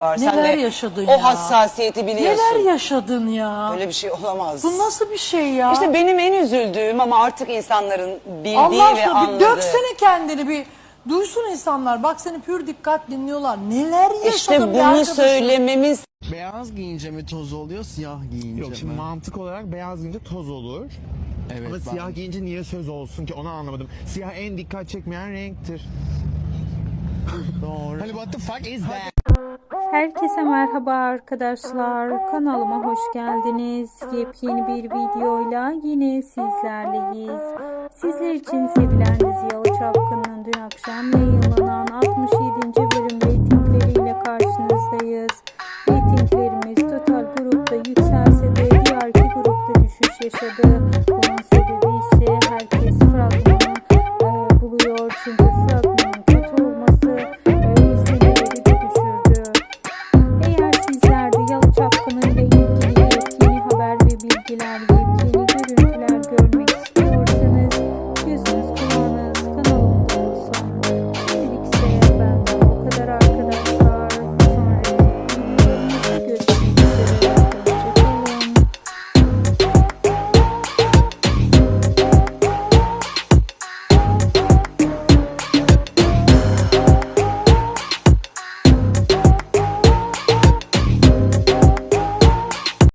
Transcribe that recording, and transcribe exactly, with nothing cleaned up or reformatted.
var. Sen Neler de yaşadın o ya? hassasiyeti biliyorsun. Neler yaşadın ya? Öyle bir şey olamaz. Bu nasıl bir şey ya? İşte benim en üzüldüğüm ama artık insanların bildiği Allah ve aşkına bir anladığı. döksene kendini, bir duysun insanlar. Bak seni pür dikkat dinliyorlar. Neler yaşadın İşte be bunu arkadaşım? söylememiz Beyaz giyince mi toz oluyor, siyah giyince Yok şimdi mi? mantık olarak beyaz giyince toz olur. Evet, Ama ben- siyah giyince niye söz olsun ki onu anlamadım. Siyah en dikkat çekmeyen renktir. Doğru. Hani what the fuck is that? Herkese merhaba arkadaşlar. Kanalıma hoş geldiniz. Yepyeni bir videoyla yine sizlerleyiz. Sizler için sevilen dizi Yalı Çapkını'nın dün akşam yayınlanan altmış yedinci bölüm reytingleriyle karşınızdayız.